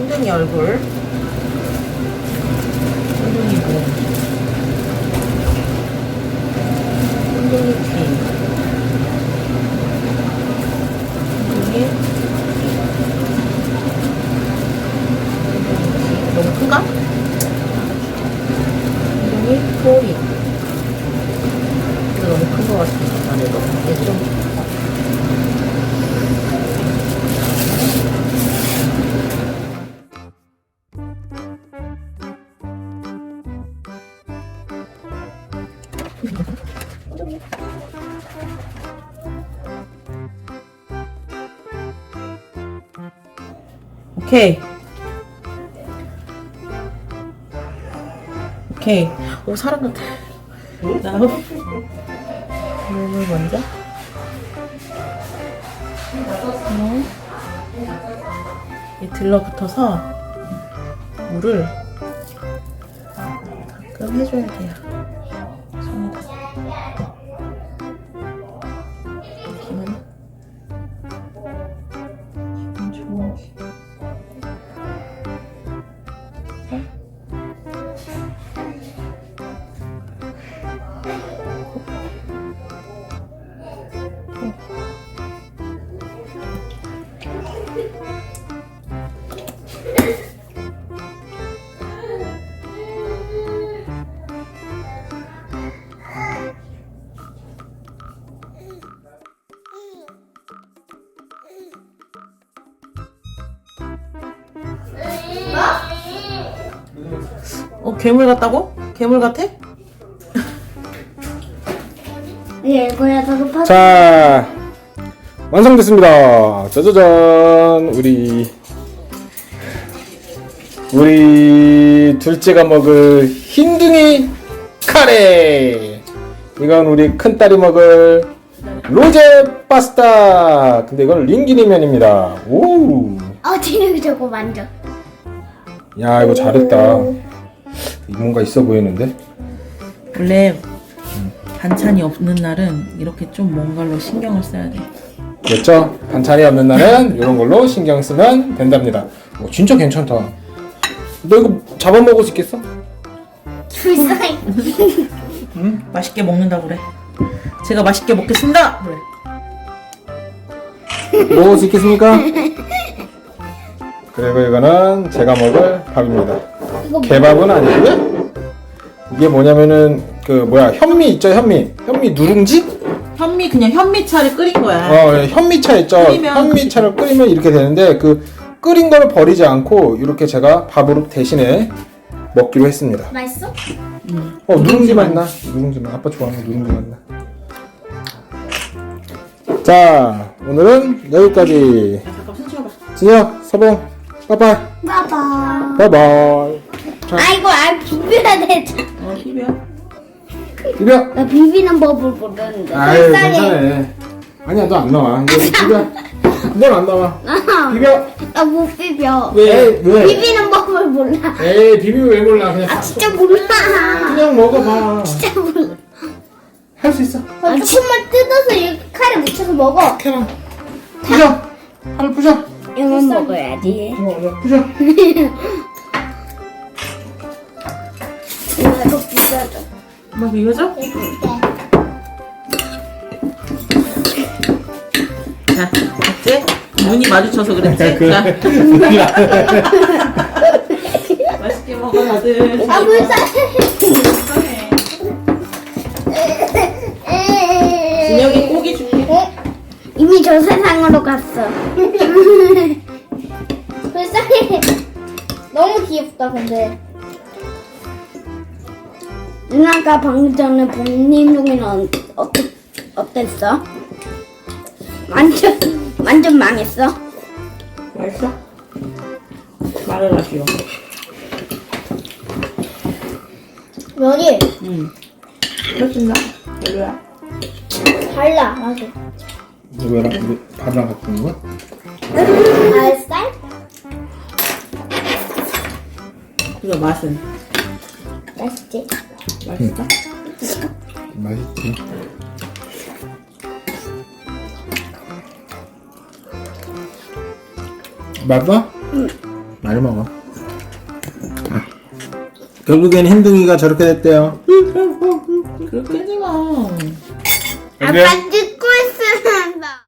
흰둥이 얼굴, 흰둥이 몸, 흰둥이 귀, 흰둥이 너무 큰가? 흰둥이 꼬리. 이거 너무 큰 것 같아. 안에도 얘 좀. 오케이. 오케이. 오, 사람 같아. 다음. 몸을 먼저. 이 들러붙어서 물을 가끔 해줘야 돼요. 손에다. 기분 좋은. 괴물 같다고? 괴물 같아? 이거야 저도 파. 자, 완성됐습니다. 짜자잔. 우리 둘째가 먹을 흰둥이 카레. 이건 우리 큰딸이 먹을 로제 파스타. 근데 이건 링기니면입니다. 오. 진혁이 저거 만져. 야, 이거 잘했다. 뭔가 있어 보이는데? 원래 반찬이 없는 날은 이렇게 좀 뭔가로 신경을 써야 돼. 됐죠? 반찬이 없는 날은 이런 걸로 신경 쓰면 된답니다. 진짜 괜찮다. 너 이거 잡아먹을 수 있겠어? 불쌍해. 응? 맛있게 먹는다고 그래. 제가 맛있게 먹겠습니다. 그래. 먹을 수 있겠습니까? 그리고 이거는 제가 먹을 밥입니다. 개밥은 아니고요. 이게 뭐냐면은 현미 있죠, 현미 누룽지? 현미 그냥 현미차를 끓인 거야. 현미차 있죠. 끓이면 현미차를 끓이면 이렇게 되는데 그 끓인 거를 버리지 않고 이렇게 제가 밥으로 대신에 먹기로 했습니다. 맛있어? 누룽지 맛나? 누룽지 맛. 아빠 좋아하는 누룽지 맛나. 자, 오늘은 여기까지. 잠깐 손 치워봐. 진혁, 서봉, 빠빠이. 봐봐. 바이바이. 자, 이거 비벼야 되잖아. 비벼. 비벼. 나 비비는 법을 모르는데. 아유, 불쌍해. 괜찮아. 아니야, 너 안 나와. 이거 비벼. 넌 안 나와. 비벼. 나 못 비벼. 왜? 비비는 법을 몰라. 에이, 비비면 왜 몰라. 그냥 진짜 몰라. 그냥 먹어봐. 진짜 몰라. 할 수 있어. 조금만 뜯어서 이렇게 칼에 묻혀서 먹어. 캐나. 부셔. 팔을 부셔. 이만 먹어야지. 부셔. 이거 비벼줘. 엄마 비벼줘? 자, 됐지? 눈이 마주쳐서 그랬지? 자. 맛있게 먹어, 다들. 불쌍해. 진혁이 고기 줄게. 이미 저 세상으로 갔어. 불쌍해. 너무 귀엽다, 근데. 누나가 방금 전에 복림동이는 어땠어? 완전 망했어. 맛있어? 말을 하시오. 면이 응. 맛있나? 별로야? 달라, 맞아. 이거랑 밥이랑 같이 먹는 거야? 알쌀? 이거 맛은? 맛있지? 맛있어? 맛있지. 맛봐? 응. 많이 먹어. 결국엔 흰둥이가 저렇게 됐대요. 그렇게 하지 마. 여기에 아빠 뜯